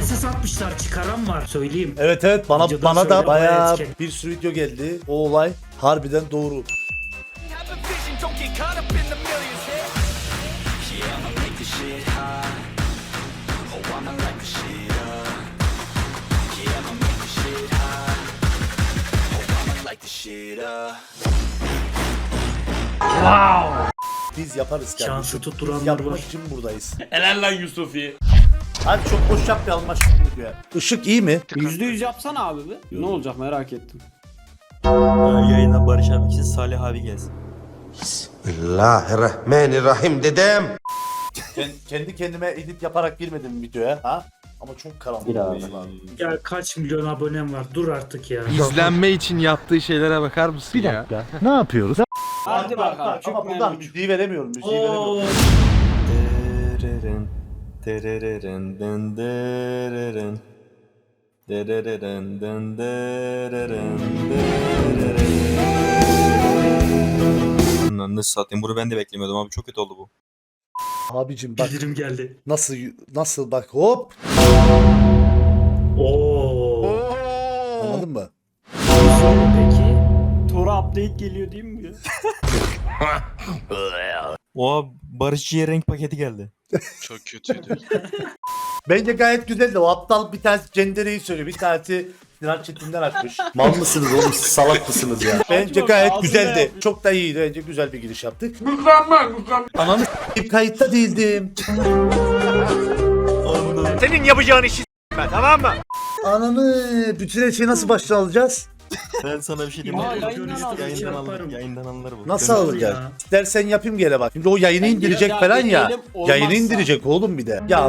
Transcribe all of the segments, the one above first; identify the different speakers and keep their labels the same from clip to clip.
Speaker 1: SS atmışlar, çıkaran var söyleyeyim.
Speaker 2: Evet evet bana
Speaker 1: Videodan
Speaker 2: bana da
Speaker 1: söyle,
Speaker 2: bayağı
Speaker 1: bayağı
Speaker 2: bir sürü video geldi. O olay harbiden doğru. Biz yaparız kardeşim.
Speaker 1: Şansı tutturanlar
Speaker 2: Biz yapmak
Speaker 1: var.
Speaker 2: için buradayız.
Speaker 3: Helal lan Yusufi.
Speaker 2: Hadi çok boş yapmayalım aşkım diyor. Işık iyi mi?
Speaker 4: %100 yapsana abi be. Ne olacak merak ettim.
Speaker 5: Yayına Barış abi için Salih abi gelsin.
Speaker 6: Bismillahirrahmanirrahim dedem.
Speaker 2: Kendi kendime edit yaparak girmedim videoya ha? Ama çok karanlık.
Speaker 1: Ya kaç milyon abonem var, dur artık ya.
Speaker 7: İzlenme için yaptığı şeylere bakar mısın ya?
Speaker 2: Ne yapıyoruz?
Speaker 4: Hadi bakalım.
Speaker 2: Ama buradan müziği veremiyorum. Müziği
Speaker 1: Oo.
Speaker 2: veremiyorum.
Speaker 5: Dereren, dereren, den dereren. Dereren, den dereren, dereren. Lan ne satayım, bunu ben de beklemiyordum abi, çok kötü oldu bu.
Speaker 2: Abicim bak
Speaker 1: Bildirim geldi.
Speaker 2: nasıl bak hop.
Speaker 1: Oo.
Speaker 2: Anladın mı?
Speaker 1: Peki.
Speaker 4: Tora update geliyor değil mi ya?
Speaker 5: Oha, Barışçı'ya renk paketi geldi.
Speaker 7: Çok kötüydü.
Speaker 2: Bence gayet güzeldi. O aptal bir tanesi Cendere'yi söylüyor. Bir tanesi Sinan Çetin'den açmış. Mal mısınız oğlum siz salak mısınız ya? Bence gayet
Speaker 4: ağzına
Speaker 2: güzeldi.
Speaker 4: yapmış.
Speaker 2: Çok da iyiydi. Bence güzel bir giriş yaptık. Mükemmel. Ananı s**eyim, kayıtta değildim.
Speaker 3: Senin yapacağın işi ben, tamam mı?
Speaker 2: Ananı bütün her şeyi nasıl baştan alacağız?
Speaker 5: Ben sana bir şey diyeyim
Speaker 4: Ya,
Speaker 5: mi?
Speaker 4: yayından al.
Speaker 5: Yayından
Speaker 1: Yaparım.
Speaker 5: alır, yayından alınır bu.
Speaker 2: Nasıl
Speaker 1: Güzel
Speaker 2: alacağız?
Speaker 1: ya.
Speaker 2: İstersen yapayım gene bak. Şimdi o yayını
Speaker 4: Ben
Speaker 2: indirecek
Speaker 4: ya,
Speaker 2: falan ya.
Speaker 4: deneyelim, olmazsa.
Speaker 2: Yayını indirecek oğlum bir de. Ya.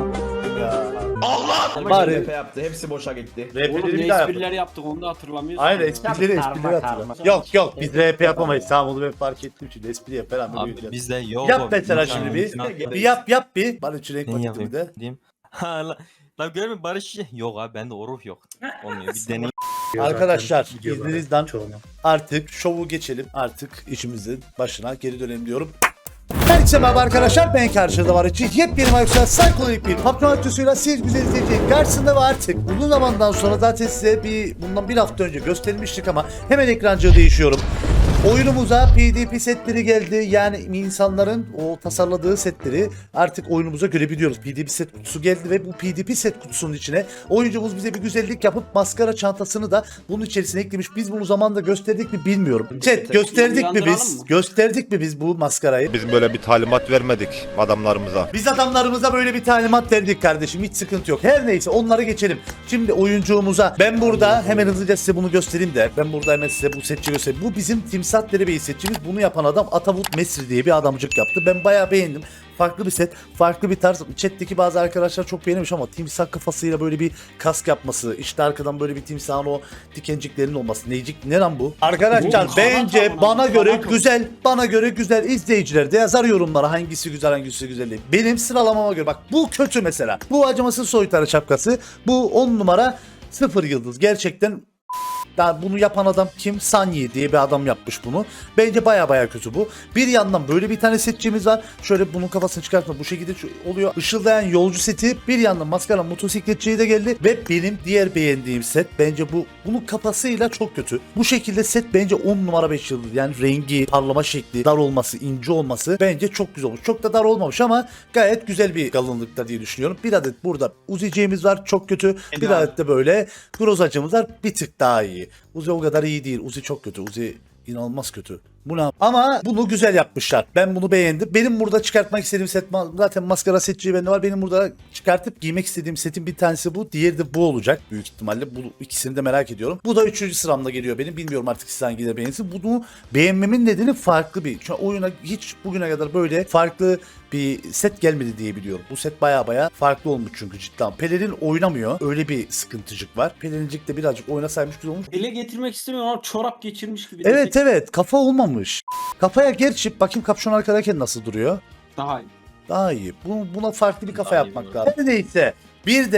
Speaker 2: Bari
Speaker 8: RP yaptı. Hepsi boşa gitti.
Speaker 4: Oğlum
Speaker 2: RP'leri bir
Speaker 4: ne
Speaker 2: daha yapalım.
Speaker 4: espriler yaptık onu da hatırlamıyorsun.
Speaker 2: Aynen
Speaker 4: ya.
Speaker 2: esprileri hatırla. Yok biz RP yapamayız. Tamam onu ben fark ettim şimdi. Espri yap falan da
Speaker 5: Abi
Speaker 2: büyüyeceğiz.
Speaker 5: bizde yok.
Speaker 2: Yap
Speaker 5: o,
Speaker 2: mesela
Speaker 5: imkanı
Speaker 2: şimdi bir.
Speaker 5: yok.
Speaker 2: Bir yap bir. Bana şu renk
Speaker 5: Ne
Speaker 2: paketimi
Speaker 5: yapayım
Speaker 2: de.
Speaker 5: diyeyim. Ha lan görüyor musun Barış? Yok abi bende o ruh yok. Olmuyor, bir deneyim.
Speaker 2: Arkadaşlar
Speaker 1: Zaten videolarda
Speaker 2: izninizden
Speaker 1: çoğunu.
Speaker 2: artık şovu geçelim. Artık işimizin başına geri dönelim diyorum. Herkese merhaba arkadaşlar, ben karşınızda var için yepyeni Mayus'a psikolojik bir patron aktüsüyle siz güzel izleyeceğin karşısında ve artık uzun zamandan sonra zaten size bundan bir hafta önce göstermiştik ama hemen ekrancığı değişiyorum. Oyunumuza PDP setleri geldi, yani insanların o tasarladığı setleri artık oyunumuza görebiliyoruz. PDP set kutusu geldi ve bu PDP set kutusunun içine oyuncumuz bize bir güzellik yapıp maskara çantasını da bunun içerisine eklemiş. Biz bunu zamanında gösterdik mi bilmiyorum. Chat gösterdik mi
Speaker 4: Uyandıralım
Speaker 2: biz?
Speaker 4: mı?
Speaker 2: Gösterdik mi biz bu maskarayı?
Speaker 9: Biz böyle bir talimat vermedik adamlarımıza.
Speaker 2: Biz adamlarımıza böyle bir talimat verdik kardeşim, hiç sıkıntı yok. Her neyse onları geçelim. Şimdi oyuncuğumuza ben burada hemen hızlıca size bunu göstereyim de ben burada hemen size bu setçi göstereyim. Bu bizim Timsah Derebeyi setçimiz. Bunu yapan adam Atavut Mesri diye bir adamcık yaptı. Ben bayağı beğendim. Farklı bir set, farklı bir tarz. Chat'teki bazı arkadaşlar çok beğenmiş ama timsah kafasıyla böyle bir kask yapması, işte arkadan böyle bir timsahın o dikenciklerinin olması. Neycik ne lan bu? Arkadaşlar
Speaker 4: Bu
Speaker 2: bence
Speaker 4: kanat
Speaker 2: bana
Speaker 4: ama,
Speaker 2: göre
Speaker 4: kanat o.
Speaker 2: güzel, bana göre güzel. İzleyiciler de yazar yorumlara hangisi güzel hangisi güzel değil. Benim sıralamama göre bak bu kötü mesela. Bu acımasız soytarı şapkası. Bu 10 numara 0 yıldız. Gerçekten daha bunu yapan adam kim? Sanyi diye bir adam yapmış bunu. Bence baya kötü bu. Bir yandan böyle bir tane setçimiz var. Şöyle bunun kafasını çıkartma bu şekilde oluyor. Işıldayan yolcu seti. Bir yandan maskara motosikletçiye de geldi. Ve benim diğer beğendiğim set bence bunun kafasıyla çok kötü. Bu şekilde set bence 10 numara 5 yıldız. Yani rengi, parlama şekli, dar olması, ince olması bence çok güzel olmuş. Çok da dar olmamış ama gayet güzel bir kalınlıkta diye düşünüyorum. Bir adet burada uziciğimiz var. Çok kötü. Bir adet de böyle grozacımız var. Bir tık daha iyi. Uzi o kadar iyi değil. Uzi çok kötü. Uzi inanılmaz kötü. Bu ne? Ama bunu güzel yapmışlar. Ben bunu beğendim. Benim burada çıkartmak istediğim set zaten maskara setçiği bende var. Benim burada çıkartıp giymek istediğim setin bir tanesi bu. Diğeri de bu olacak büyük ihtimalle. Bu ikisini de merak ediyorum. Bu da 3. sıramda geliyor benim. Bilmiyorum artık siz hangileri beğensin. Bunu beğenmemin nedeni farklı bir. Şu an oyuna hiç bugüne kadar böyle farklı bir set gelmedi diye biliyorum. Bu set baya farklı olmuş çünkü cidden. Pelerin oynamıyor. Öyle bir sıkıntıcık var. Pelerincik de birazcık oynasaymış güzel olmuş.
Speaker 4: Ele getirmek istemiyorum ama çorap geçirmiş gibi.
Speaker 2: Evet
Speaker 4: desek
Speaker 2: evet kafa olmamış. Kafaya gerçi bakayım kapşon arkadayken nasıl duruyor.
Speaker 4: Daha iyi.
Speaker 2: Daha iyi. Buna farklı bir kafa
Speaker 5: Daha iyi
Speaker 2: yapmak
Speaker 5: olur.
Speaker 2: lazım. Her neyse. Bir de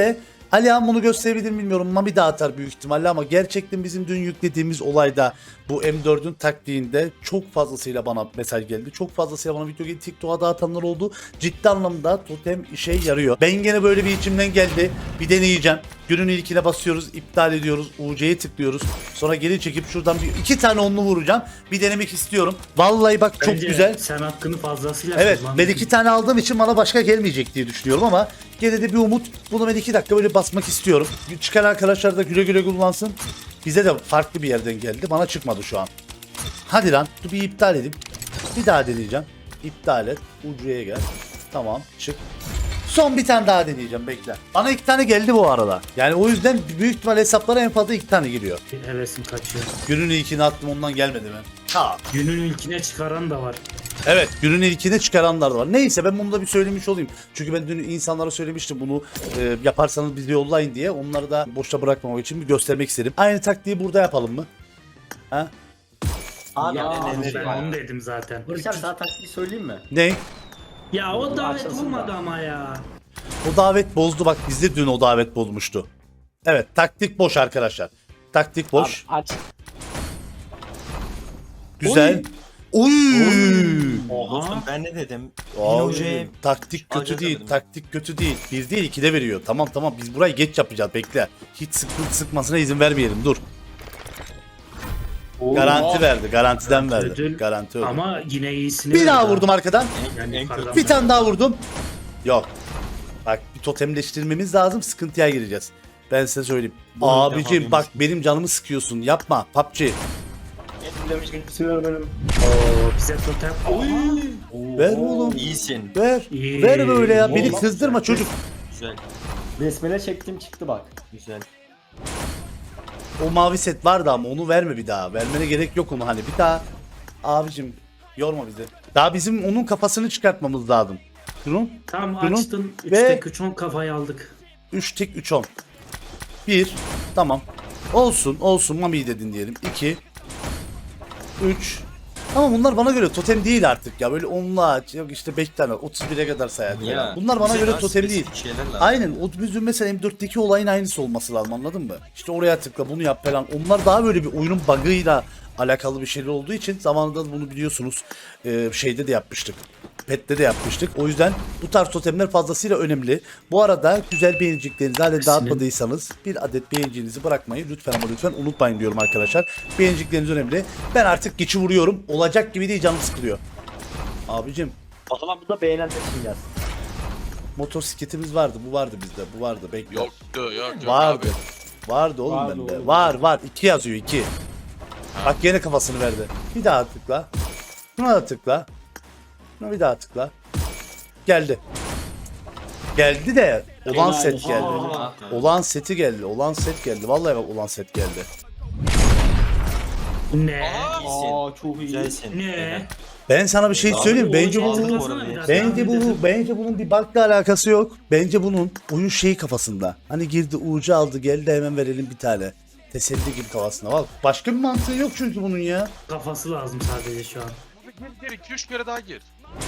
Speaker 2: Alihan bunu gösterebilir mi bilmiyorum. Mami de atar büyük ihtimalle ama gerçekten bizim dün yüklediğimiz olayda bu M4'ün taktiğinde çok fazlasıyla bana mesaj geldi. Çok fazlasıyla bana video geldi. TikTok'a dağıtanlar oldu. Ciddi anlamda totem işe yarıyor. Ben gene böyle bir içimden geldi. Bir deneyeceğim. Günün ilkine basıyoruz, iptal ediyoruz, UC'ye tıklıyoruz. Sonra geri çekip şuradan bir 2 tane onlu vuracağım. Bir denemek istiyorum. Vallahi bak çok
Speaker 1: Bence
Speaker 2: güzel.
Speaker 1: Sen hakkını fazlasıyla
Speaker 2: Evet,
Speaker 1: kullandın.
Speaker 2: ben 2 tane aldığım için bana başka gelmeyecek diye düşünüyorum ama gene de bir umut. Bunu ben 2 dakika böyle basmak istiyorum. Çıkan arkadaşlar da güle güle kullansın. Bize de farklı bir yerden geldi. Bana çıkmadı şu an. Hadi lan, dur bir iptal edeyim. Bir daha deneyeceğim. İptal et. Ucuya gel. Tamam, çık. Son bir tane daha deneyeceğim, bekle. Bana 2 tane geldi bu arada. Yani o yüzden büyük ihtimal hesaplara en fazla 2 tane geliyor.
Speaker 1: Bir hevesim kaçıyor.
Speaker 2: Günün ilkini attım, ondan gelmedi mi? Ha.
Speaker 1: Günün ilkine çıkaran da var.
Speaker 2: Evet, günün ilkine çıkaranlar da var. Neyse, ben bunu da bir söylemiş olayım. Çünkü ben dün insanlara söylemiştim bunu yaparsanız bizi yollayın diye. Onları da boşta bırakmamak için bir göstermek istedim. Aynı taktiği burada yapalım mı? Ha?
Speaker 6: Abi
Speaker 4: Ya,
Speaker 1: Ben onu dedim zaten.
Speaker 6: Barış abi sana taktiği söyleyeyim mi?
Speaker 2: Ne?
Speaker 1: Ya o davet
Speaker 6: Açılsın
Speaker 1: olmadı
Speaker 6: da.
Speaker 1: ama ya.
Speaker 2: O davet bozdu, bak bizde dün o davet bozmuştu. Evet, taktik boş arkadaşlar. Taktik boş.
Speaker 6: Abi, aç.
Speaker 2: Güzel. Oy.
Speaker 5: Dostum ben ne dedim?
Speaker 2: Abi,
Speaker 5: Hoca'ya
Speaker 2: taktik kötü
Speaker 5: alacağız
Speaker 2: değil,
Speaker 5: dedim.
Speaker 2: taktik kötü değil. 1 değil 2'de veriyor. Tamam biz burayı geç yapacağız, bekle. Hiç sıkmasına izin vermeyelim, dur. Garanti verdi, garantiden verdi.
Speaker 1: Ödül.
Speaker 2: Garanti ödül.
Speaker 1: Ama yine iyisini
Speaker 2: Bir
Speaker 1: verdi
Speaker 2: daha
Speaker 1: ha.
Speaker 2: vurdum arkadan.
Speaker 1: Yani
Speaker 5: En
Speaker 1: yukarıdan
Speaker 2: Bir
Speaker 1: verdi.
Speaker 2: tane daha vurdum. Yok. Bak bir totemleştirmemiz lazım, sıkıntıya gireceğiz. Ben size söyleyeyim.
Speaker 5: Bunu
Speaker 2: Abicim
Speaker 5: defa
Speaker 2: bak benim canımı sıkıyorsun, yapma PUBG.
Speaker 1: Oo, bize totem.
Speaker 2: Ver oğlum.
Speaker 5: İyisin.
Speaker 2: Ver.
Speaker 1: İyi.
Speaker 2: Ver böyle ya, beni
Speaker 1: Oğlum,
Speaker 2: kızdırma çocuk.
Speaker 5: Güzel.
Speaker 6: Besmele çektim çıktı bak.
Speaker 5: Güzel.
Speaker 2: O mavi set vardı ama onu verme bir daha. Vermene gerek yok onu, hani bir daha. Abicim yorma bizi. Daha bizim onun kafasını çıkartmamız lazım. Şunun
Speaker 1: Tamam
Speaker 2: Bunun
Speaker 1: açtın. 3
Speaker 2: ve-
Speaker 1: tek 3 10 kafayı aldık.
Speaker 2: 3 tek 3 10. 1 tamam. Olsun Mami'yi dedin diyelim. 2 3. Ama bunlar bana göre totem değil artık ya. Böyle 10'la yok işte 5 tane 31'e kadar sayar.
Speaker 5: Ya,
Speaker 2: Bunlar bana
Speaker 5: bize
Speaker 2: göre
Speaker 5: daha
Speaker 2: totem değil.
Speaker 5: spesifik şeyler lazım.
Speaker 2: Aynen, o bizim mesela M4'teki olayın aynısı olması lazım, anladın mı? İşte oraya tıkla, bunu yap falan. Onlar daha böyle bir oyunun bug'ıyla alakalı bir şeyler olduğu için zamanında bunu biliyorsunuz şeyde de yapmıştık. Pet'te de yapmıştık. O yüzden bu tarz totemler fazlasıyla önemli. Bu arada güzel beğeniciklerinizi hala dağıtmadıysanız bir adet beğenicinizi bırakmayı lütfen ama lütfen unutmayın diyorum arkadaşlar. Beğenicikleriniz önemli. Ben artık geçi vuruyorum. Olacak gibi değil, canım sıkılıyor. Abicim
Speaker 6: O zaman bu da beğenenler için gelsin.
Speaker 2: motosikletimiz vardı. Bu vardı bizde. Bu vardı. Bekle.
Speaker 7: Yoktu yok
Speaker 2: Vardı.
Speaker 7: abi.
Speaker 2: Vardı oğlum
Speaker 4: Vardı
Speaker 2: bende.
Speaker 4: oğlum.
Speaker 2: Var. 2 yazıyor 2. Bak gene kafasını verdi. Bir daha tıkla. Buna da tıkla. Buna bir daha tıkla. Geldi. Geldi de olan
Speaker 4: Helal
Speaker 2: set
Speaker 4: olsun.
Speaker 2: geldi.
Speaker 4: Aa.
Speaker 2: Olan seti geldi. Olan set geldi. Vallahi bak olan set geldi.
Speaker 1: Ne?
Speaker 4: Aa çok iyi.
Speaker 5: Güzelsin.
Speaker 1: Ne?
Speaker 2: Ben sana bir şey söyleyeyim mi? Bence bu
Speaker 1: Hatırlasana biraz.
Speaker 2: Bence bunun bir bug'la alakası yok. Bence bunun oyun şeyi kafasında. Hani girdi ucu aldı, geldi hemen verelim bir tane. Teselli gibi kafasında. Bak başka bir mantığı yok çünkü bunun ya.
Speaker 1: Kafası lazım sadece şu an.
Speaker 7: Gir 2-3 kere daha gir.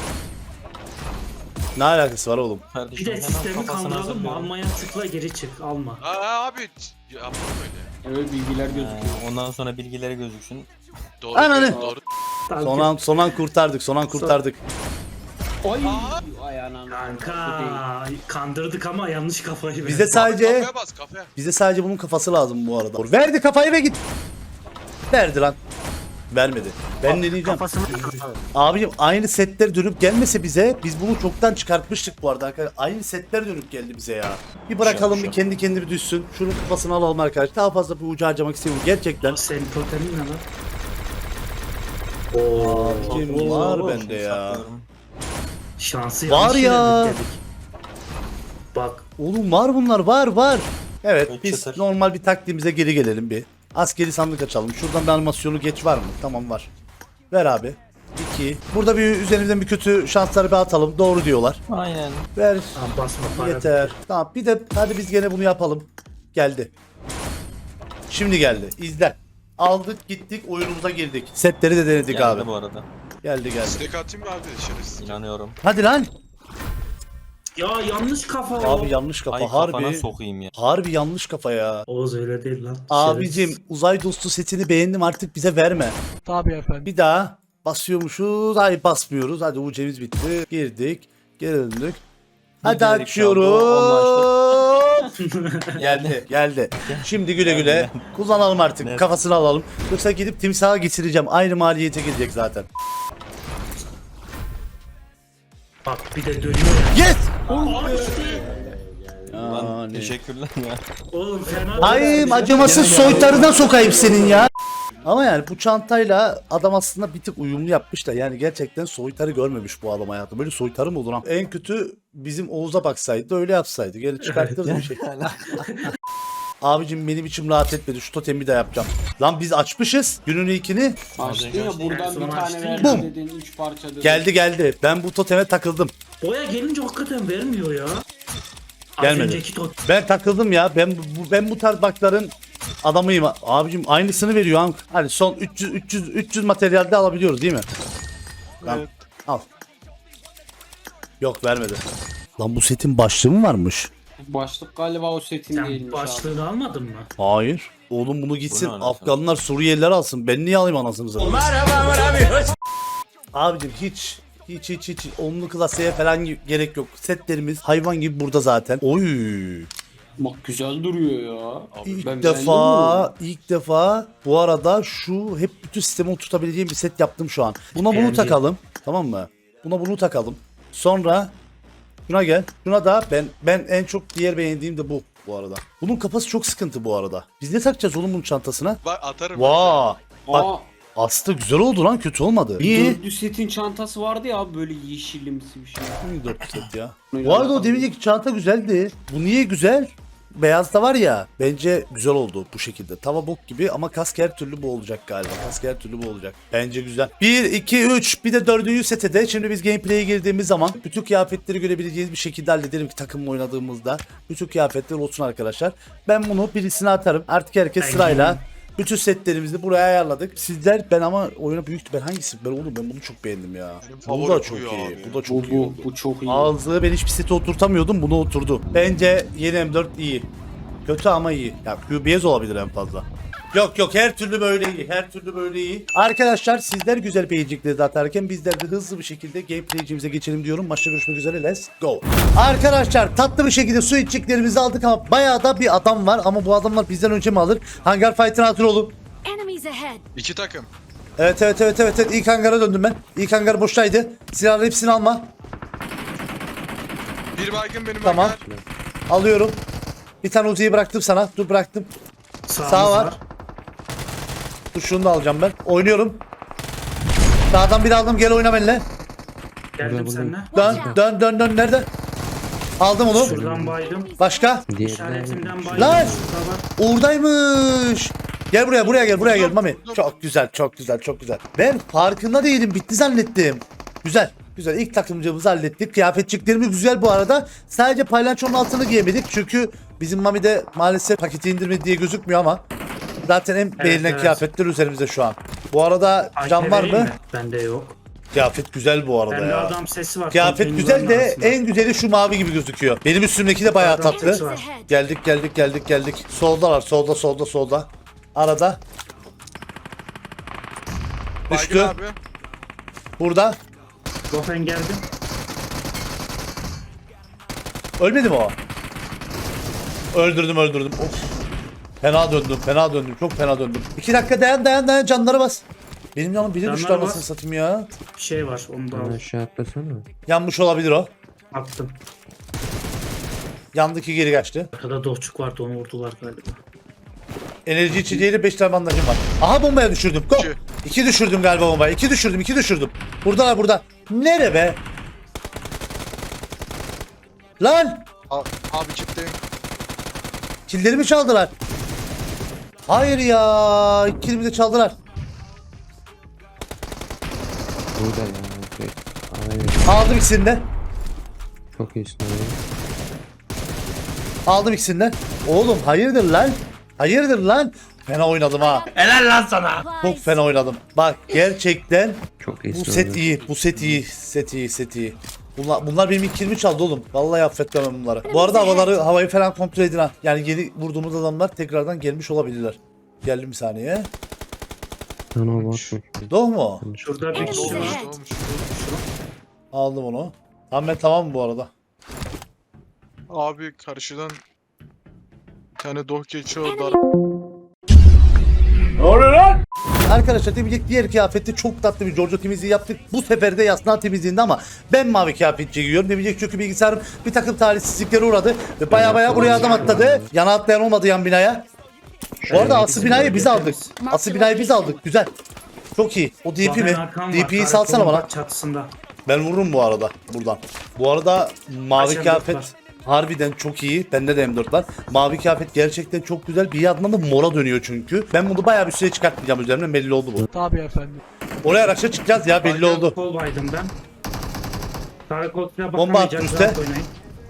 Speaker 2: Ne alakası var oğlum?
Speaker 1: Bir
Speaker 5: Kardeşim,
Speaker 1: de
Speaker 5: hemen
Speaker 1: sistemi
Speaker 5: kafasına
Speaker 1: kandıralım mı?
Speaker 5: hazırlıyorum.
Speaker 1: Almaya tıkla geri çık. Alma.
Speaker 7: Abi yapalım öyle.
Speaker 4: Evet bilgiler gözüküyor.
Speaker 5: Ondan sonra bilgileri gözüksün.
Speaker 7: Doğru.
Speaker 2: Ananı.
Speaker 7: Doğru.
Speaker 2: Son an kurtardık.
Speaker 4: Ay. Ay anam.
Speaker 1: Kanka kandırdık ama yanlış kafayı verdik.
Speaker 2: Bize sadece
Speaker 7: Kafaya bas kafaya.
Speaker 2: bunun kafası lazım bu arada. Verdi kafayı ve git. Verdi lan. Vermedi. Ben ne diyeceğim? Abicim aynı setler dönüp gelmese bize, biz bunu çoktan çıkartmıştık bu arada arkadaşlar. Aynı setler dönüp geldi bize ya. Bir bırakalım, bir kendi kendine bir düşsün. Şunun kafasını alalım arkadaşlar. Daha fazla bir ucu harcamak istemiyorum gerçekten.
Speaker 1: Senin totemin ne lan?
Speaker 2: Abicim var bende ya.
Speaker 5: Saklıyorum.
Speaker 1: Şansı
Speaker 2: Var
Speaker 1: yanlış
Speaker 2: ya.
Speaker 1: yere dedik. Bak
Speaker 2: Oğlum var bunlar, var. Evet,
Speaker 5: Çok
Speaker 2: biz
Speaker 5: çıtır.
Speaker 2: normal bir taktiğimize geri gelelim bir. Askeri sandık açalım. Şuradan bir animasyonu geç var mı? Tamam var. Ver abi. 2. Burada bir üzerimizden bir kötü şansları bir atalım. Doğru diyorlar.
Speaker 5: Aynen.
Speaker 2: Ver.
Speaker 1: tamam, basma para.
Speaker 2: Yeter. Tamam bir de hadi biz gene bunu yapalım. Geldi. Şimdi geldi. İzle. Aldık gittik oyunumuza girdik. Setleri de denedik
Speaker 5: Geldi
Speaker 2: abi.
Speaker 5: bu arada.
Speaker 2: Geldi.
Speaker 7: Stack atayım mı abi şerefsiz?
Speaker 5: İnanıyorum.
Speaker 2: Hadi lan.
Speaker 1: Ya yanlış kafa o.
Speaker 2: Abi yanlış kafa
Speaker 5: Ay kafana
Speaker 2: harbi.
Speaker 5: sokayım ya.
Speaker 2: Harbi yanlış kafa ya.
Speaker 1: Oğuz öyle değil lan.
Speaker 2: Abicim
Speaker 1: Şerefsiz.
Speaker 2: uzay dostu setini beğendim artık bize verme.
Speaker 3: Tabii efendim.
Speaker 2: Bir daha basıyormuşuz. Hayır basmıyoruz. Hadi ucemiz bitti. Girdik. Geri döndük. Hadi
Speaker 5: Giderek
Speaker 2: açıyoruz. geldi. Şimdi güle güle. Kullanalım artık.
Speaker 5: Evet.
Speaker 2: Kafasını alalım. Yoksa gidip timsaha getireceğim. Aynı maliyete gelecek zaten.
Speaker 1: Bak bir de dönüyor ya.
Speaker 2: Yes!
Speaker 5: Lan
Speaker 2: Yani.
Speaker 5: teşekkürler ya.
Speaker 1: Oğlum fena.
Speaker 2: Ay acımasız soytarına sokayım senin ya. Ama yani bu çantayla adam aslında bir tık uyumlu yapmış da yani gerçekten soytarı görmemiş bu adam hayatı. Böyle soytarı mı olur lan? En kötü bizim Oğuz'a baksaydı da öyle yapsaydı. Geri çıkartırdı bir şey. Abicim benim içim rahat etmedi. Şu totemi de yapacağım. Lan biz açmışız günün ilkini.
Speaker 4: Açtın ya buradan bir tane
Speaker 1: Açtın ya.
Speaker 4: verdi
Speaker 2: Bum.
Speaker 4: dedin 3 parça dedin.
Speaker 2: Geldi. Ben bu toteme takıldım.
Speaker 1: Boya gelince hakikaten vermiyor ya. Az
Speaker 2: Gelmedi.
Speaker 1: önceki tot.
Speaker 2: Ben takıldım ya. Ben bu tarz bakların adamıyım. Abicim aynısını veriyor. Han. Hadi son 300 materyalde alabiliyoruz değil mi? Tamam. Al. Yok vermedi. Lan bu setin başlığı mı varmış?
Speaker 4: Başlık galiba o setin
Speaker 1: Sen
Speaker 4: değilmiş abi.
Speaker 1: başlığını almadın mı?
Speaker 2: Hayır. Oğlum bunu gitsin
Speaker 5: Bu ne anasını?
Speaker 2: Afganlar Suriyeliler alsın. Ben niye alayım anasını satayım? Abicim hiç onlu klaseye falan gerek yok. Setlerimiz hayvan gibi burada zaten. Oy.
Speaker 4: Bak güzel duruyor ya.
Speaker 2: İlk
Speaker 4: Ben
Speaker 2: defa bu arada şu hep bütün sistemi oturtabileceğim bir set yaptım şu an. Buna bunu
Speaker 1: Beğendim.
Speaker 2: takalım. Tamam mı? Buna bunu takalım. Sonra şuna gel. Şuna da ben en çok diğer beğendiğim de bu arada. Bunun kafası çok sıkıntı bu arada. Biz ne takacağız oğlum bunun çantasına?
Speaker 7: Bak atarım.
Speaker 2: Vaa. Bak
Speaker 4: Aa,
Speaker 2: aslında güzel oldu lan, kötü olmadı. Niye?
Speaker 4: dördü setin çantası vardı ya abi böyle yeşilimsi bir şey.
Speaker 2: Hangi 4 set ya? Bu arada o deminceki çanta güzeldi. Bu niye güzel? Beyaz da var ya, bence güzel oldu bu şekilde. Tava bok gibi ama kask her türlü bu olacak galiba. Kask her türlü bu olacak. Bence güzel. 1, 2, 3 bir de 4. sete de şimdi biz gameplay'e girdiğimiz zaman bütün kıyafetleri görebileceğiniz bir şekilde hallederim ki takımla oynadığımızda. Bütün kıyafetler olsun arkadaşlar. Ben bunu birisine atarım. Artık herkes
Speaker 1: Ben
Speaker 2: sırayla
Speaker 1: gireyim.
Speaker 2: bütün setlerimizi buraya ayarladık. Sizler ben ama oyuna büyük ben hangisi? Ben oğlum ben bunu çok beğendim ya.
Speaker 7: Benim
Speaker 2: Bu
Speaker 7: favorim
Speaker 2: da çok
Speaker 7: bu ya
Speaker 2: iyi.
Speaker 7: abi.
Speaker 2: Bu da çok iyi oldu.
Speaker 4: Bu çok iyi.
Speaker 2: Ağızlığı ben hiçbir sete oturtamıyordum, bunu oturdu. Bence yeni M4 iyi. Kötü ama iyi. Ya QBS olabilir en fazla. Yok her türlü böyle iyi. Her türlü böyle iyi. Arkadaşlar sizler güzel beğenecekleri atarken bizler de hızlı bir şekilde gameplay'cimize geçelim diyorum. Maçta görüşmek üzere. Let's go. Arkadaşlar tatlı bir şekilde su içeceklerimizi aldık ama bayağı da bir adam var ama bu adamlar bizden önce mi alır? Hangar Fight'ın hatır olun.
Speaker 8: Enemies ahead.
Speaker 7: 2 takım.
Speaker 2: Evet. İlk hangara döndüm ben. İlk hangar boştaydı. Silahları hepsini alma.
Speaker 7: Bir baygın benim
Speaker 2: Tamam.
Speaker 7: hangar.
Speaker 2: Alıyorum. Bir tane Uzi'yi bıraktım sana. Dur bıraktım.
Speaker 1: Sağımız
Speaker 2: Sağ var. Dur şunu da alacağım ben. Oynuyorum. Sağdan bir aldım, gel oyna benimle.
Speaker 1: Geldim seninle.
Speaker 2: Dön. Nerede? Aldım onu.
Speaker 1: Şuradan baydım.
Speaker 2: Başka?
Speaker 1: İşaretimden baydım.
Speaker 2: Lan!
Speaker 1: Şurada var.
Speaker 2: Oradaymış. Gel buraya gel Mami. Çok güzel. Ben farkında değilim, bitti zannettim. Güzel. İlk takımcımızı hallettik. Kıyafetçiklerimiz güzel bu arada. Sadece paylançonun altını giyemedik. Çünkü bizim Mami'de maalesef paketi indirmedi diye gözükmüyor ama zaten en beğenilen
Speaker 1: evet.
Speaker 2: kıyafetler üzerimizde şu an. Bu arada can var mı?
Speaker 1: Bende yok.
Speaker 2: Kıyafet güzel bu arada
Speaker 1: Bende
Speaker 2: ya.
Speaker 1: adam sesi var.
Speaker 2: Kıyafet
Speaker 1: konteynerlerin
Speaker 2: güzel de
Speaker 1: arasında.
Speaker 2: en güzeli şu mavi gibi gözüküyor. Benim üstümdeki de bayağı
Speaker 1: Adam
Speaker 2: tatlı.
Speaker 1: sesi var.
Speaker 2: Geldik. Soldalar. Solda. Arada.
Speaker 7: Baygın
Speaker 2: Düştü.
Speaker 7: abi.
Speaker 2: Burada.
Speaker 1: Gofen geldim.
Speaker 2: Ölmedi mi o? Öldürdüm. Of. Fena döndüm. Çok fena döndüm. 2 dakika dayan canları bas. Benim yanım biri düştü
Speaker 1: Canları
Speaker 2: anasını
Speaker 1: bas.
Speaker 2: satayım ya.
Speaker 1: Bir şey var onu da al.
Speaker 10: Aşağı atlasana.
Speaker 2: Yanmış olabilir o.
Speaker 1: Attım.
Speaker 2: Yandaki geri kaçtı.
Speaker 1: Arkada dohçuk vardı onu vurdular galiba.
Speaker 2: Enerji içeceğiyle 5 tane bandajım var. Aha bombaya düşürdüm. Go. 2 düşürdüm galiba bombaya. 2 düşürdüm. Buradalar burada. Nere be? Lan!
Speaker 7: Abi çıktı.
Speaker 2: Killerimi çaldılar. Hayır ya. Kilimi de çaldılar.
Speaker 10: Burada ya. Aynen.
Speaker 2: Aldım ikisini de.
Speaker 10: Çok iyisin abi.
Speaker 2: Aldım ikisini de. Oğlum hayırdır lan? Fena oynadım ha. Çok fena oynadım. Bak gerçekten
Speaker 10: Çok iyisin
Speaker 2: bu set
Speaker 10: abi.
Speaker 2: iyi. Set iyi. Bunlar benim ilk kilimi çaldı oğlum. Vallahi affetmem bunları. Bu arada havayı falan kontrol edin ha. Yani yeni vurduğumuz adamlar tekrardan gelmiş olabilirler. Geldim bir saniye.
Speaker 10: Sana bakmış.
Speaker 2: Doğru mu?
Speaker 1: Şurada bir kişi var.
Speaker 7: Doğmuş.
Speaker 2: Aldım onu. Tamam ben tamam bu arada.
Speaker 7: Abi karşıdan bir tane doh geçiyor dar.
Speaker 2: Arkadaşlar temizlik diğer kıyafette çok tatlı bir Giorgio temizliği yaptık. Bu sefer de yasnağı temizliğinde ama ben mavi kıyafetçi giyiyorum. Temizlik çünkü bilgisayarım bir takım talihsizliklere uğradı. Ve baya buraya adam atladı. Yana atlayan olmadı yan binaya. Bu arada asıl binayı biz aldık. Asıl binayı biz aldık. Güzel. Çok iyi. O DP mi? DP'yi salsana bana.
Speaker 1: Çatısında.
Speaker 2: Ben vururum bu arada buradan. Bu arada mavi
Speaker 1: Kaç M4
Speaker 2: kıyafet
Speaker 1: var?
Speaker 2: harbiden çok iyi. Bende de M4 var. Mavi kıyafet gerçekten çok güzel. Bir yandan da mora dönüyor çünkü. Ben bunu bayağı bir süre çıkartmayacağım üzerimden, belli oldu bu.
Speaker 7: Tabii efendim.
Speaker 2: Oraya araçla çıkacağız ya, belli oldu.
Speaker 1: Kol baydım ben. Karakol silah
Speaker 2: Bomba
Speaker 1: bakamayacak.
Speaker 2: attı üste.
Speaker 1: rahat oynayın.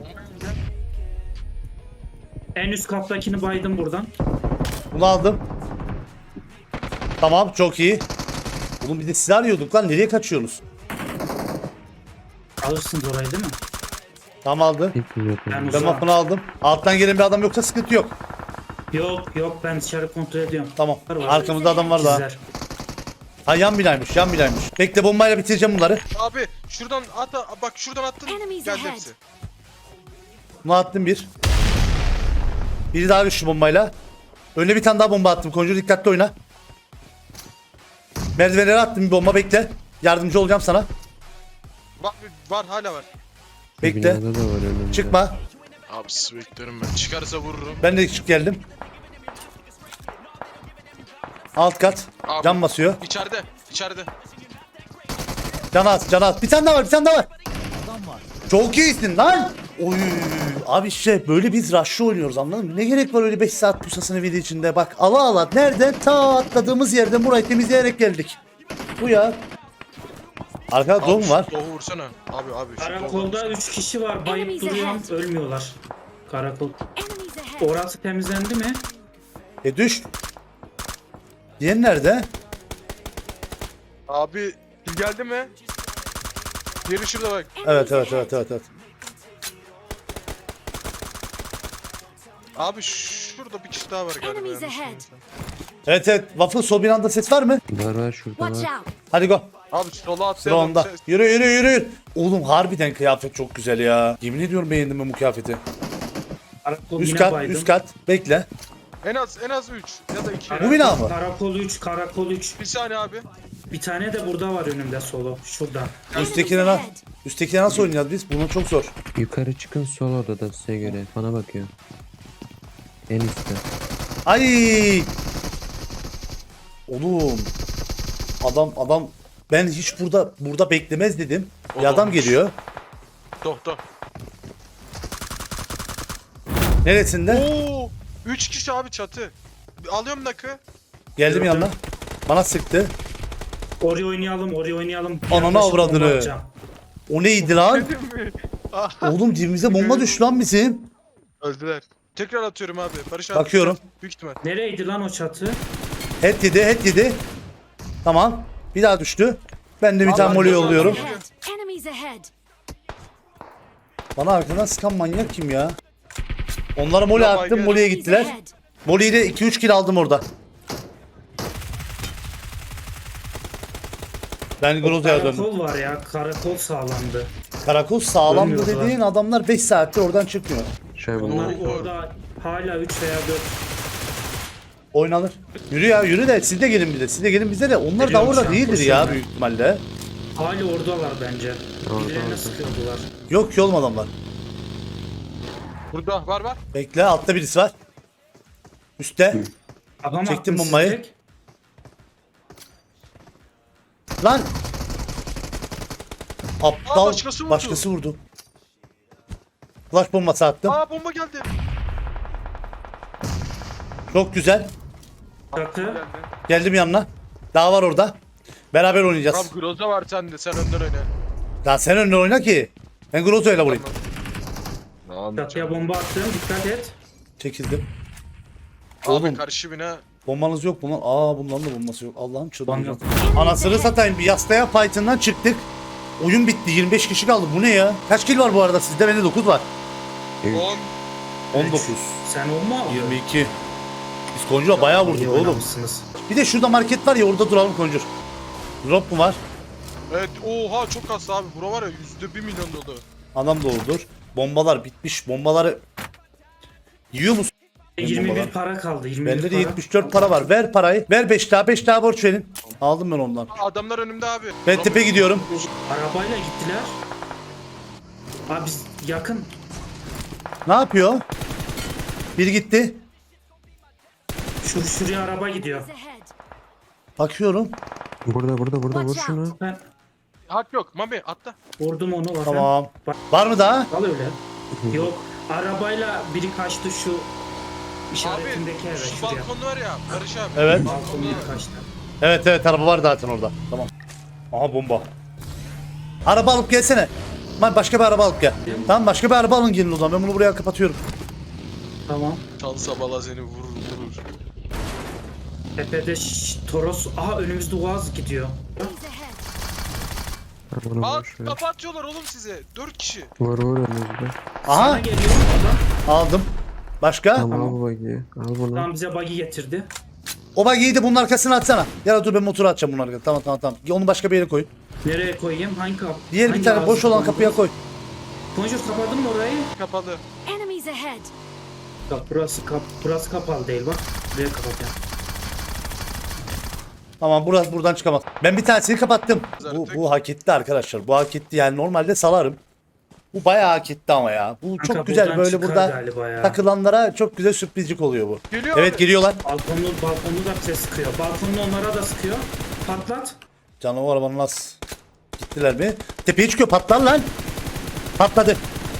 Speaker 1: En üst kattakini baydım buradan.
Speaker 2: Bunu aldım. Tamam, çok iyi. Oğlum bir de silah arıyorduk lan, nereye kaçıyorsunuz?
Speaker 1: Alırsınız orayı değil mi?
Speaker 2: Tamam aldım.
Speaker 10: Hep yok.
Speaker 1: Ben
Speaker 2: Ben
Speaker 1: uzağım.
Speaker 2: mapını aldım. Alttan gelen bir adam yoksa sıkıntı yok.
Speaker 1: Yok ben dışarı kontrol ediyorum.
Speaker 2: Tamam.
Speaker 1: Var.
Speaker 2: Arkamızda adam var daha.
Speaker 1: Sizler.
Speaker 2: Ha yan binaymış. Bekle, bombayla bitireceğim bunları.
Speaker 7: Abi şuradan bak şuradan attın.
Speaker 8: Enemies
Speaker 7: Geldi
Speaker 8: ahead.
Speaker 7: hepsi.
Speaker 2: Bunu attım bir. Biri daha güçlü bombayla. Önüne bir tane daha bomba attım. Konjur dikkatli oyna. Merdivenlere attım bir bomba, bekle. Yardımcı olacağım sana.
Speaker 7: Bak var hala var.
Speaker 2: Bekle.
Speaker 10: Binada da var önümde.
Speaker 2: Çıkma.
Speaker 7: Abi beklerim ben. Çıkarsa vururum.
Speaker 2: Ben de çık geldim. Alt kat.
Speaker 7: Abi.
Speaker 2: Can basıyor.
Speaker 7: İçeride.
Speaker 2: Can at. Bir tane daha var. Çok iyisin lan. Oy. Abi işte böyle biz rush'ı oynuyoruz, anladın mı? Ne gerek var öyle 5 saat pusasını video içinde. Bak ala nereden ta atladığımız yerden burayı temizleyerek geldik. Bu ya. Arkada doğum var.
Speaker 7: Doğu vursana. Abi şu
Speaker 1: Karakolda 3 kişi var. Bayıp
Speaker 8: Enemies
Speaker 1: duruyorum.
Speaker 8: ahead.
Speaker 1: Ölmüyorlar. Karakol.
Speaker 8: Enemies ahead.
Speaker 1: Orası temizlendi mi?
Speaker 2: Düş. Diğer nerede?
Speaker 7: Abi geldi mi? Diğeri şurada bak.
Speaker 2: Evet.
Speaker 7: Abi şurada bir kişi daha var galiba.
Speaker 8: Enemies
Speaker 7: yanlış
Speaker 8: ahead.
Speaker 7: bilmiyorsam.
Speaker 2: Evet. Waffle sol binanda ses var mı?
Speaker 10: Var şurada
Speaker 8: Watch
Speaker 10: var.
Speaker 8: out.
Speaker 2: Hadi go.
Speaker 7: Abi sola
Speaker 2: Sıra
Speaker 7: atlayalım.
Speaker 2: onda. Yürü. Oğlum harbiden kıyafet çok güzel ya. Yemin ediyorum beğendim ben bu kıyafeti.
Speaker 1: Karakol
Speaker 2: Üst
Speaker 1: yine
Speaker 2: kat,
Speaker 1: baydım.
Speaker 2: üst kat. Bekle.
Speaker 7: En az 3 ya da 2.
Speaker 2: Bu bina mı?
Speaker 1: Karakol 3.
Speaker 7: Bir saniye abi.
Speaker 1: Bir tane de burada var önümde solo. Şurada.
Speaker 2: Üsttekine nasıl oynayacağız biz? Bunu çok zor.
Speaker 10: Yukarı çıkın sol odada size göre. Bana bakıyor. En üstte.
Speaker 2: Ay! Oğlum. Adam ben hiç burada beklemez dedim. Bir adam
Speaker 7: olmuş.
Speaker 2: geliyor.
Speaker 7: Doh.
Speaker 2: Neresinde?
Speaker 7: Oo! 3 kişi abi çatı. Alıyorum nakı.
Speaker 2: Geldim
Speaker 1: Gördüm.
Speaker 2: yanına. Bana sıktı.
Speaker 1: Oraya oynayalım.
Speaker 2: Ananı
Speaker 1: Yaklaşık
Speaker 2: avradını.
Speaker 1: bomba atacağım.
Speaker 2: O neydi lan? Oğlum dibimize bomba düştü lan bizim.
Speaker 7: Öldüler. Tekrar atıyorum abi. Barış abi.
Speaker 2: Bakıyorum.
Speaker 7: Büyük ihtimal.
Speaker 1: Nereydi lan o çatı?
Speaker 2: Head yedi. Tamam. Bir daha düştü. Ben de bir tane moli yolluyorum.
Speaker 8: Ahead. Enemies ahead.
Speaker 2: Bana arkadan sıkan manyak kim ya? Onlara moli
Speaker 7: Ya
Speaker 2: attım,
Speaker 7: baygın.
Speaker 2: moliye
Speaker 8: Enemies
Speaker 2: gittiler.
Speaker 8: ahead.
Speaker 2: Moli'yi de 2-3 kill aldım orada. Ben Groza'ya döndüm.
Speaker 1: Karakol var ya. Karakol sağlandı.
Speaker 2: Karakol sağlamdı
Speaker 1: Ölmüyorlar.
Speaker 2: dediğin adamlar 5 saattir oradan çıkmıyor.
Speaker 10: Şöyle
Speaker 1: Onlar
Speaker 7: Oo.
Speaker 1: orada hala 3 veya 4.
Speaker 2: Oynanır. Yürü de siz de gelin bize de. Onlar da
Speaker 1: Geliyorum
Speaker 2: orada
Speaker 1: şu an,
Speaker 2: değildir
Speaker 1: koşuyorum
Speaker 2: ya
Speaker 1: ben.
Speaker 2: büyük ihtimalle.
Speaker 1: Hala oradalar bence. Birilerine
Speaker 10: orada.
Speaker 1: sıkıyordular.
Speaker 2: Yok ki oğlum adamlar.
Speaker 7: Burada var.
Speaker 2: Bekle, altta birisi var. Üstte.
Speaker 1: Adam
Speaker 2: Çektim
Speaker 1: attım
Speaker 2: bombayı.
Speaker 1: sizce.
Speaker 2: Lan. Aptal.
Speaker 7: başkası vurdu.
Speaker 2: vurdu. Flash bombası attım.
Speaker 7: Aa bomba geldi.
Speaker 2: Çok güzel.
Speaker 1: Çatı.
Speaker 7: Geldi.
Speaker 2: Geldim yanına. Daha var orada. Beraber oynayacağız.
Speaker 7: Tamam Groza var sende. Sen önden oyna.
Speaker 2: Daha sen önüne oyna ki. Ben Groza'yla vurayım.
Speaker 1: Çatıya bomba attım. Dikkat et.
Speaker 2: Çekildim.
Speaker 7: Abi
Speaker 2: Oğlum.
Speaker 7: karşı bina.
Speaker 2: Bombanız yok bunlar. Bunların da bombası yok. Allah'ım çıldıracağım.
Speaker 1: Bana-
Speaker 2: Anasını satayım, bir yastaya fight'ından çıktık. Oyun bitti. 25 kişi kaldı. Bu ne ya? Kaç kill var bu arada sizde? Bende 9 var.
Speaker 7: 10.
Speaker 2: 19.
Speaker 1: Sen olma abi.
Speaker 2: 22. Biz Conjure'a bayağı vurduk
Speaker 1: İyi
Speaker 2: oğlum.
Speaker 1: oynamışsınız.
Speaker 2: Bir de şurada market var ya, orada duralım Conjure. Drop mu var?
Speaker 7: Evet oha çok kaslı abi. Bura var ya %1 milyon dolu.
Speaker 2: Adam doğrudur. Bombalar bitmiş. Bombaları yiyor musun?
Speaker 1: 21
Speaker 2: Bombalar.
Speaker 1: para kaldı. 21
Speaker 2: Bende de
Speaker 1: para.
Speaker 2: 74 para var. Ver parayı. Ver 5 daha. 5 daha borç verin. Aldım ben ondan.
Speaker 7: Adamlar önümde abi.
Speaker 2: Ben tepe gidiyorum.
Speaker 1: Arabayla gittiler. Abi biz yakın.
Speaker 2: Ne yapıyor? Biri gitti.
Speaker 1: Şuraya araba gidiyor.
Speaker 8: Enemies ahead.
Speaker 2: Bakıyorum.
Speaker 10: Burada vur
Speaker 8: Watch
Speaker 10: şunu.
Speaker 8: out.
Speaker 1: Ben
Speaker 7: Hak yok. Mami atla.
Speaker 1: vurdum onu. Var.
Speaker 2: Tamam. Var mı daha?
Speaker 1: Al öyle. Yok. Arabayla biri kaçtı şu işaretindeki eve.
Speaker 7: Abi şu
Speaker 1: Şuraya.
Speaker 7: balkon var ya Barış abi.
Speaker 2: Evet.
Speaker 1: Balkona biri kaçtı.
Speaker 2: Evet evet, araba var zaten orada. Tamam. Aha bomba. Araba alıp gelsene. Lan başka bir araba alıp gel. Tamam, başka bir araba alın gelin o zaman. Ben bunu buraya kapatıyorum.
Speaker 1: Tamam.
Speaker 7: Tal sabala seni vurur.
Speaker 1: Tepede Toros. Aha önümüzde Uaz gidiyor.
Speaker 8: Enemies ahead.
Speaker 10: Bunu
Speaker 7: Aa
Speaker 10: vur şuraya.
Speaker 7: kafa atıyorlar oğlum size. 4 kişi.
Speaker 10: Vur önümüzde.
Speaker 1: Sana
Speaker 2: Aha
Speaker 1: geliyor adam.
Speaker 2: aldım. Başka?
Speaker 10: Tamam al bu bagiyi. Al bunu.
Speaker 1: Tam bize buggy getirdi.
Speaker 2: O bagiyi de bunun arkasına atsana. Ya da dur, ben motoru atacağım bunun arkasına. Tamam. Onu başka bir yere koy.
Speaker 1: Nereye koyayım? Hangi kapı?
Speaker 2: Diğer bir tane boş olan kapıya koy.
Speaker 1: Bonjour kapadın mı orayı?
Speaker 7: Kapalı.
Speaker 8: Enemies ahead.
Speaker 1: Bak burası kapalı değil bak. Buraya kapatacağım.
Speaker 2: Tamam, burası buradan çıkamaz. Ben bir tanesini kapattım. Bu hak etti arkadaşlar. Bu hak etti, yani normalde salarım. Bu bayağı hak etti ama ya. Bu
Speaker 1: Kanka,
Speaker 2: çok güzel,
Speaker 1: buradan
Speaker 2: böyle
Speaker 1: çıkar
Speaker 2: burada
Speaker 1: galiba ya.
Speaker 2: takılanlara çok güzel sürprizcik oluyor bu.
Speaker 7: Geliyor
Speaker 2: Evet,
Speaker 7: abi.
Speaker 2: geliyorlar.
Speaker 1: Balkonlu da bize sıkıyor. Balkonlu onlara da sıkıyor. Patlat.
Speaker 2: Canım, o arabanın nasıl? Gittiler mi? Tepeye çıkıyor, patlar lan. Patladı.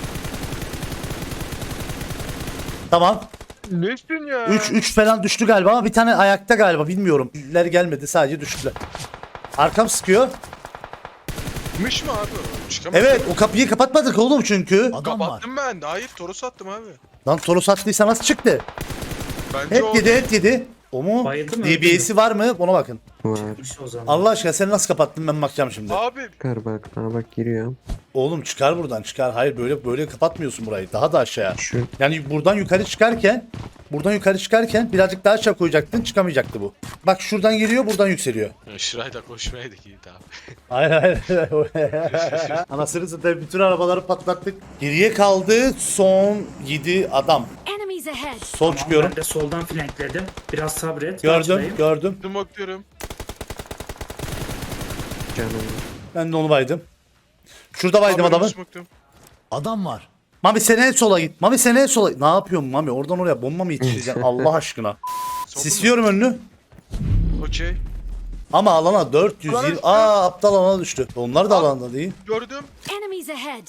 Speaker 2: Tamam.
Speaker 7: Nesin ya?
Speaker 2: 3 falan düştü galiba ama bir tane ayakta galiba, bilmiyorum. Ler gelmedi, sadece düştüler. Arkam sıkıyor.
Speaker 7: Mış mı abi? Çıkamaz.
Speaker 2: Evet, o kapıyı kapatmadık oğlum çünkü. Adam var.
Speaker 7: Kapattım ben. Hayır Toros attım abi.
Speaker 2: Lan Toros attıysa nasıl çıktı?
Speaker 7: Bence o.
Speaker 2: Et yedi. O mu?
Speaker 1: Bayıldı mı,
Speaker 2: DBS'i var mı? Ona bakın.
Speaker 10: Var.
Speaker 1: Çıkmış o zaman.
Speaker 2: Allah aşkına sen nasıl kapattın, ben bakacağım şimdi.
Speaker 7: Abi
Speaker 10: Çıkar bak. Aa bak giriyor.
Speaker 2: Oğlum çıkar buradan, çıkar. Hayır, böyle kapatmıyorsun burayı. Daha da aşağıya.
Speaker 10: Şu.
Speaker 2: Yani buradan yukarı çıkarken birazcık daha aşağı koyacaktın, çıkamayacaktı bu. Bak şuradan geliyor, buradan yükseliyor.
Speaker 7: şurayda koşmayaydık iyi tamam.
Speaker 2: Hayır. Anasını satayım, bütün arabaları patlattık. Geriye kaldı son 7 adam.
Speaker 8: Enemies ahead.
Speaker 2: Sol çıkıyorum.
Speaker 1: Ben de soldan flankledim. Biraz sabret.
Speaker 2: Gördüm.
Speaker 7: Smoke'luyorum.
Speaker 10: Canım.
Speaker 2: Ben de onu baydım. Şurada baydım adamı. Adam var. Mami sen en sola git. Ne yapıyorsun Mami? Oradan oraya bomba mı yetiştireceksin Allah aşkına? Sisliyorum önünü.
Speaker 7: Okey.
Speaker 2: Ama alana 400.
Speaker 7: Alana düştü.
Speaker 2: Aptal alana düştü. Onlar da alanda değil.
Speaker 7: Gördüm.
Speaker 8: Enemies ahead.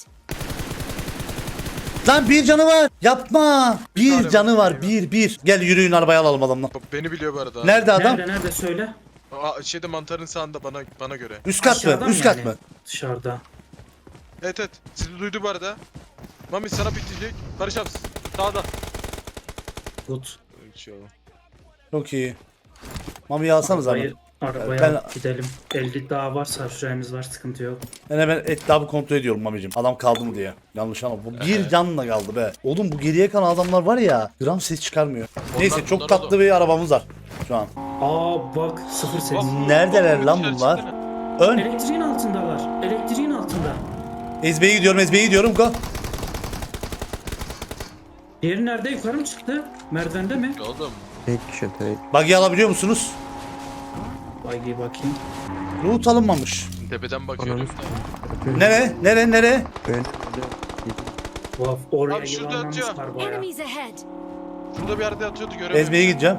Speaker 2: Lan bir canı var. Yapma. Bir
Speaker 7: tane
Speaker 2: canı
Speaker 7: var.
Speaker 2: var. Bir. Gel yürüyün, arabaya alalım adamla.
Speaker 7: Beni biliyor bu arada.
Speaker 2: Nerede adam?
Speaker 1: Nerede söyle.
Speaker 7: Şeyde mantarın sağında bana göre.
Speaker 2: Üst kat mı?
Speaker 1: Aşağıdan
Speaker 2: Üst kat
Speaker 1: yani.
Speaker 2: mı?
Speaker 1: Dışarıda.
Speaker 7: Evet. Sizi duydu bu arada. Mami sana bitecek. Barış abi sağda.
Speaker 1: Good.
Speaker 2: Çok iyi. Mami'yi alsanız abi.
Speaker 1: Arabaya
Speaker 2: Ben-
Speaker 1: gidelim. 50 daha varsa süremiz var, sıkıntı yok.
Speaker 2: Ben hemen etrafı kontrol ediyorum Mami'cim. Adam kaldı mı diye. Yanlış ama bu bir canla kaldı be. Oğlum bu geriye kalan adamlar var ya, gram ses çıkarmıyor. Neyse, çok
Speaker 7: bunlar
Speaker 2: tatlı
Speaker 7: oğlum.
Speaker 2: bir arabamız var şu an.
Speaker 1: Aa bak, sıfır ses.
Speaker 2: Neredeler lan bunlar? Ön.
Speaker 1: Elektriğin altındalar. Elektriğin altında.
Speaker 2: Ezbe'ye gidiyorum. Go.
Speaker 1: Diğeri nerede? Yukarı mı çıktı? Merdivende mi?
Speaker 7: Oğlum.
Speaker 10: Tek kişi tek.
Speaker 2: Buggy alabiliyor musunuz?
Speaker 1: Bagi bakayım.
Speaker 2: Loot alınmamış.
Speaker 7: Tepeden bakıyorum.
Speaker 10: Ananı
Speaker 2: Nereye?
Speaker 10: Ben.
Speaker 1: Vaf, oraya
Speaker 7: Abi şurada
Speaker 1: yuvarlanmışlar baya.
Speaker 8: Enemies ahead.
Speaker 7: Şurada bir yerde atıyordu göremedim.
Speaker 2: Ezbe'ye gideceğim.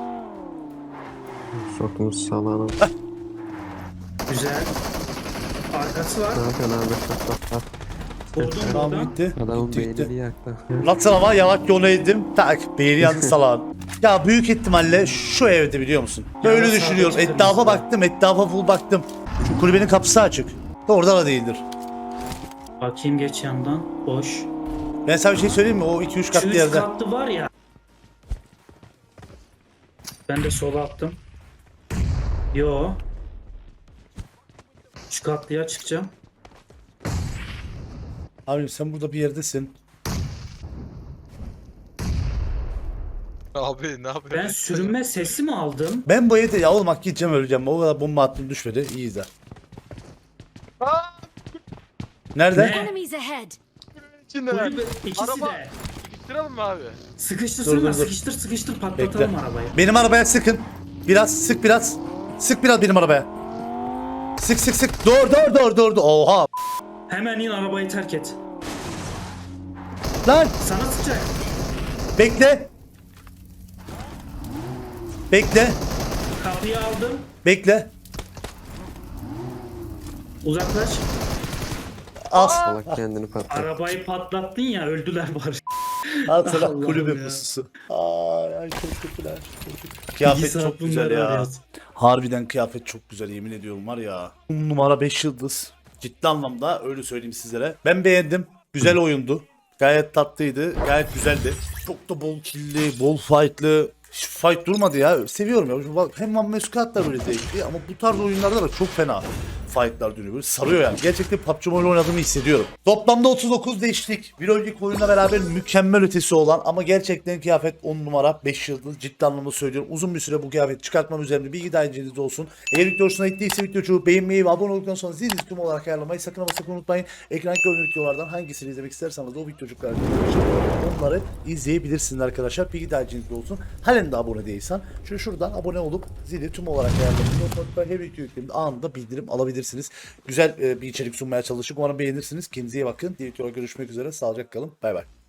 Speaker 10: Sokmuş salağına.
Speaker 1: Güzel. Arkası var.
Speaker 10: Ne yapıyorsun abi? Bak.
Speaker 1: Vurdum
Speaker 2: Tamam,
Speaker 1: buradan.
Speaker 2: gitti.
Speaker 10: Adamın
Speaker 2: Gitti.
Speaker 10: beynini yaktı.
Speaker 2: Lan ama yavaş yolu eğdim. Tak. Beyni yandı salağın. Ya büyük ihtimalle şu evde, biliyor musun? Böyle
Speaker 1: Ya,
Speaker 2: düşünüyorum.
Speaker 1: sadece
Speaker 2: Etrafa
Speaker 1: kırmızı.
Speaker 2: baktım. Etrafa full baktım. Şu kulübenin kapısı açık. Orada da değildir.
Speaker 1: Bakayım geç yandan. Boş.
Speaker 2: Ben sana bir şey söyleyeyim mi? O 2-3
Speaker 1: Şu
Speaker 2: katlı
Speaker 1: üst
Speaker 2: yerde.
Speaker 1: katlı var ya. Ben de sola attım. Yo. Şu katlıya çıkacağım.
Speaker 2: Abim sen burada bir yerdesin.
Speaker 7: Abi ne yapıyorsun?
Speaker 1: Ben sürünme sesi mi aldım?
Speaker 2: Ben bu evde ya oğlum hak gideceğim öleceğim. O kadar bomba attım düşmedi. İyi de. Nerede?
Speaker 1: Ne?
Speaker 8: Enemies ahead.
Speaker 7: İçindeler.
Speaker 1: Kulübe ikisi
Speaker 7: Araba.
Speaker 1: de.
Speaker 7: Sıkıştıralım mı abi?
Speaker 1: Sıkıştırsana,
Speaker 2: Dur.
Speaker 1: sıkıştır
Speaker 2: Bekle.
Speaker 1: patlatalım arabayı.
Speaker 2: Benim arabaya sıkın. Biraz sık biraz. Sık biraz benim arabaya. Sık. Dur. Oha.
Speaker 1: Hemen in, arabayı terk et.
Speaker 2: Lan
Speaker 1: Sana sıcak.
Speaker 2: bekle. Bekle.
Speaker 1: Kapıyı aldım.
Speaker 2: Bekle.
Speaker 1: Uzaklaş.
Speaker 2: Al.
Speaker 10: Salak kendini patlattı.
Speaker 1: Arabayı patlattın ya, öldüler bari.
Speaker 2: Al sana
Speaker 1: Allah'ım
Speaker 2: kulübe
Speaker 1: ya.
Speaker 2: pususu. Ay çok kötüler. Kıyafet
Speaker 1: Bilgisayar
Speaker 2: çok güzel
Speaker 1: bunları
Speaker 2: ya.
Speaker 1: arıyor.
Speaker 2: Harbiden kıyafet çok güzel yemin ediyorum var ya. 10 numara 5 yıldız. Ciddi anlamda öyle söyleyeyim sizlere. Ben beğendim. Güzel oyundu. Gayet tatlıydı. Gayet güzeldi. Çok da bol killi, bol fightlı. Hiç fight durmadı ya. Seviyorum ya. Hem One Man Squad da böyle zevkli ama bu tarz oyunlarda da çok fena fightlar dönüyor. Böyle sarıyor yani. Gerçekten PUBG Mobile oynadığımı hissediyorum. Toplamda 39 değişiklik. Bir önceki oyunla beraber mükemmel ötesi olan ama gerçekten kıyafet 10 numara 5 yıldız. Ciddi anlamda söylüyorum. Uzun bir süre bu kıyafet çıkartmam üzerinde bilgi dahilinizde olsun. Eğer video hoşuna gittiyse videoyu beğenmeyi ve abone olduktan sonra zil tüm olarak ayarlamayı sakın ama sakın unutmayın. Ekranda görünen videolardan hangisini izlemek isterseniz de o videocukları onları izleyebilirsiniz arkadaşlar. Bilgi dahilinizde olsun. Halen de abone değilsen şuradan abone olup zili tüm olarak ayarlamayı her video yükleminde anında bildirim alabilirsiniz. Güzel bir içerik sunmaya çalıştık. Umarım beğenirsiniz. Kendinize iyi bakın. Diğer videoda görüşmek üzere. Sağlıcakla kalın. Bay bay.